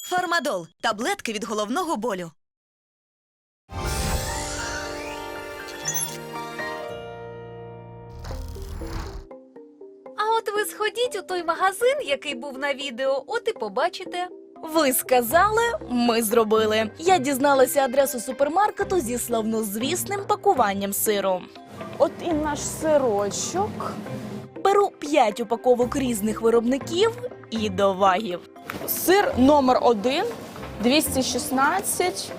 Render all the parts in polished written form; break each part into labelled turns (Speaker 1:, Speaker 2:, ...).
Speaker 1: Фармадол – таблетки від головного болю.
Speaker 2: А от ви сходіть у той магазин, який був на відео, от і побачите.
Speaker 3: Ви сказали, ми зробили. Я дізналася адресу супермаркету зі славнозвісним пакуванням сиру.
Speaker 4: От і наш сирочок.
Speaker 3: Беру 5 упаковок різних виробників і до вагів.
Speaker 4: Сир номер 1, 216.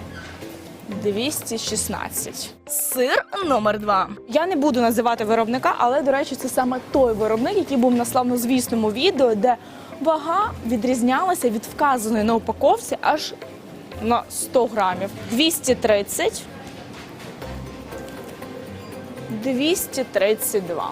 Speaker 4: 216.
Speaker 3: Сир номер 2.
Speaker 4: Я не буду називати виробника, але, до речі, це саме той виробник, який був на славнозвісному відео, де вага відрізнялася від вказаної на упаковці аж на 100 грамів. 230. 232.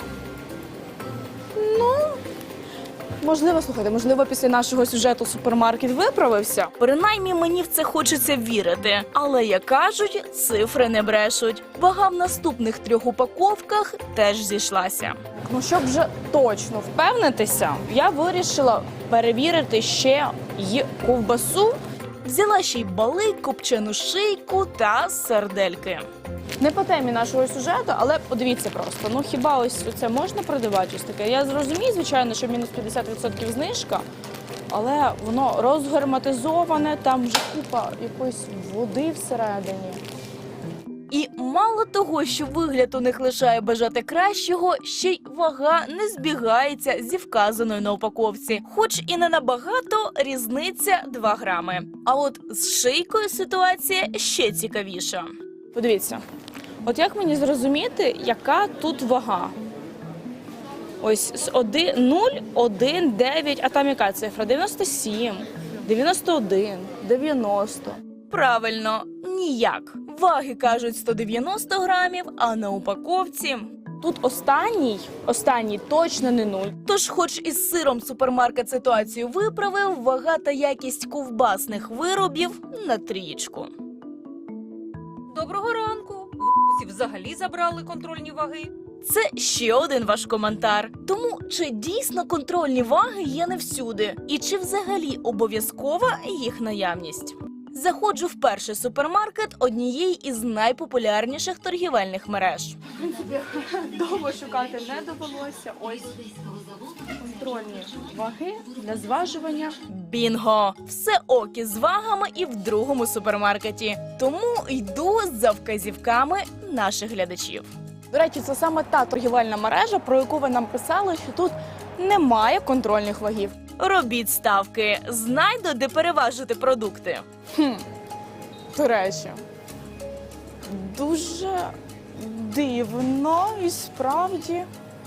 Speaker 4: Можливо, слухайте, можливо, після нашого сюжету супермаркет виправився.
Speaker 3: Принаймні мені в це хочеться вірити. Але, як кажуть, цифри не брешуть. Вага в наступних 3 упаковках теж зійшлася.
Speaker 4: Ну, щоб вже точно впевнитися, я вирішила перевірити ще й ковбасу.
Speaker 3: Взяла ще й балик, копчену шийку та сардельки.
Speaker 4: Не по темі нашого сюжету, але подивіться просто. Ну хіба ось це можна продавати ось таке? Я зрозумію, звичайно, що мінус 50% знижка, але воно розгерметизоване, там вже купа якоїсь води всередині.
Speaker 3: І мало того, що вигляд у них лишає бажати кращого, ще й вага не збігається зі вказаною на упаковці. Хоч і не набагато, різниця 2 грами. А от з шийкою ситуація ще цікавіша.
Speaker 4: Подивіться, от як мені зрозуміти, яка тут вага? Ось з 0, 1, 9, а там яка цифра? 97, 91, 90.
Speaker 3: Правильно, ніяк. Ваги кажуть 190 грамів, а на упаковці...
Speaker 4: Тут останній точно не 0.
Speaker 3: Тож, хоч із сиром супермаркет ситуацію виправив, вага та якість ковбасних виробів на 3.
Speaker 2: Доброго ранку. В Русі взагалі забрали контрольні ваги.
Speaker 3: Це ще один ваш коментар. Тому чи дійсно контрольні ваги є не всюди? І чи взагалі обов'язкова їх наявність? Заходжу в перший супермаркет однієї із найпопулярніших торгівельних мереж.
Speaker 4: Довго шукати не довелося. Ось контрольні ваги для зважування.
Speaker 3: Бінго! Все ок із вагами і в другому супермаркеті. Тому йду за вказівками наших глядачів.
Speaker 4: До речі, це саме та торгівельна мережа, про яку ви нам писали, що тут немає контрольних вагів.
Speaker 3: Робіть ставки. Знайду, де переважити продукти.
Speaker 4: До речі, дуже дивно і справді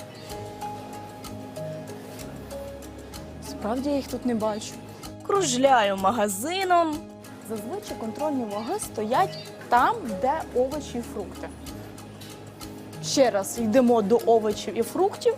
Speaker 4: я їх тут не бачу.
Speaker 3: Кружляю магазином.
Speaker 4: Зазвичай контрольні ваги стоять там, де овочі і фрукти. Ще раз йдемо до овочів і фруктів.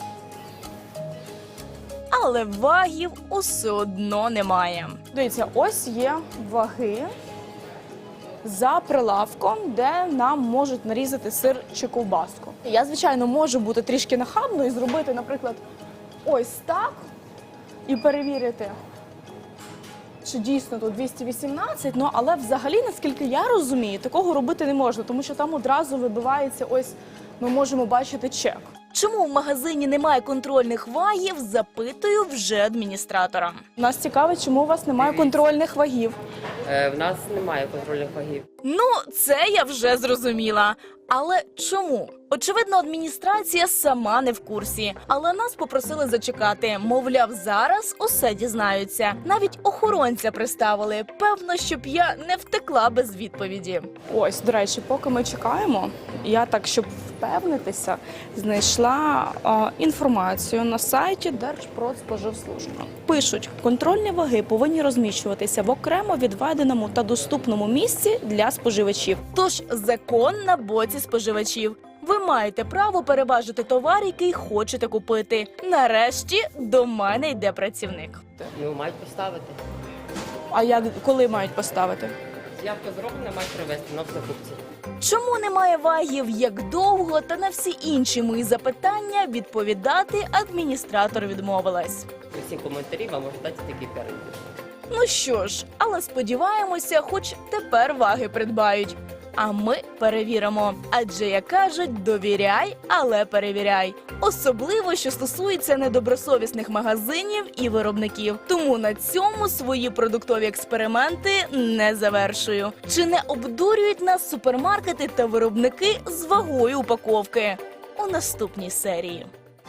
Speaker 3: Але вагів усе одно немає.
Speaker 4: Дивіться, ось є ваги за прилавком, де нам можуть нарізати сир чи ковбаску. Я, звичайно, можу бути трішки нахабною і зробити, наприклад, ось так і перевірити, чи дійсно тут 218, але взагалі, наскільки я розумію, такого робити не можна, тому що там одразу вибивається, ось ми можемо бачити чек.
Speaker 3: Чому в магазині немає контрольних вагів, запитую вже адміністратора.
Speaker 4: Нас цікавить, чому у вас немає контрольних вагів.
Speaker 5: В нас немає контрольних вагів.
Speaker 3: Ну, це я вже зрозуміла. Але чому? Очевидно, адміністрація сама не в курсі. Але нас попросили зачекати. Мовляв, зараз усе дізнаються. Навіть охоронця приставили. Певно, щоб я не втекла без відповіді.
Speaker 4: Ось, до речі, поки ми чекаємо, я так, щоб впевнитися, знайшла інформацію на сайті Держпродспоживслужби. Пишуть, контрольні ваги повинні розміщуватися в окремо відведеному та доступному місці для споживачів.
Speaker 3: Тож закон на боці споживачів. Ви маєте право переважити товар, який хочете купити. Нарешті до мене йде працівник.
Speaker 5: Ну, мають поставити.
Speaker 4: А коли мають поставити?
Speaker 5: Заявка зроблена, мають привезти на закупці.
Speaker 3: Чому немає вагів, як довго, та на всі інші мої запитання відповідати адміністратор відмовилась.
Speaker 5: Усі коментарі вам можуть дати такий перегляд.
Speaker 3: Ну що ж, але сподіваємося, хоч тепер ваги придбають. А ми перевіримо. Адже, як кажуть, довіряй, але перевіряй. Особливо, що стосується недобросовісних магазинів і виробників. Тому на цьому свої продуктові експерименти не завершую. Чи не обдурюють нас супермаркети та виробники з вагою упаковки? У наступній серії.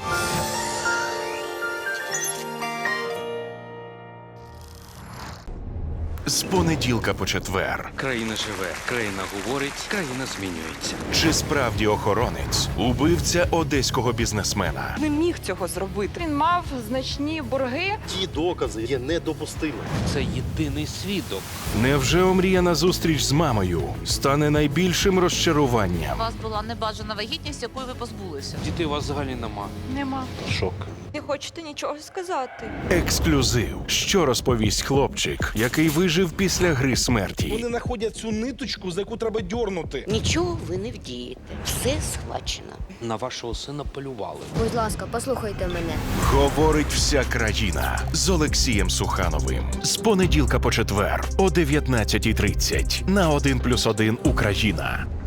Speaker 6: З понеділка по четвер.
Speaker 7: Країна живе, країна говорить, країна змінюється.
Speaker 6: Чи справді охоронець убивця одеського бізнесмена?
Speaker 8: Не міг цього зробити. Він мав значні борги.
Speaker 9: Ті докази є недопустимими.
Speaker 7: Це єдиний свідок.
Speaker 6: Невже омріяна зустріч з мамою стане найбільшим розчаруванням?
Speaker 10: У вас була небажана вагітність, якої ви позбулися.
Speaker 7: Дітей у вас взагалі нема.
Speaker 8: Нема.
Speaker 6: Шок.
Speaker 8: Не хочете нічого сказати.
Speaker 6: Ексклюзив. Що розповість хлопчик, який вижив після гри смерті?
Speaker 11: Вони знаходять цю ниточку, за яку треба дьорнути.
Speaker 12: Нічого ви не вдієте. Все схвачено.
Speaker 7: На вашого сина полювали.
Speaker 12: Будь ласка, послухайте мене.
Speaker 6: Говорить вся країна з Олексієм Сухановим. З понеділка по четвер о 19:30 на 1+1 Україна.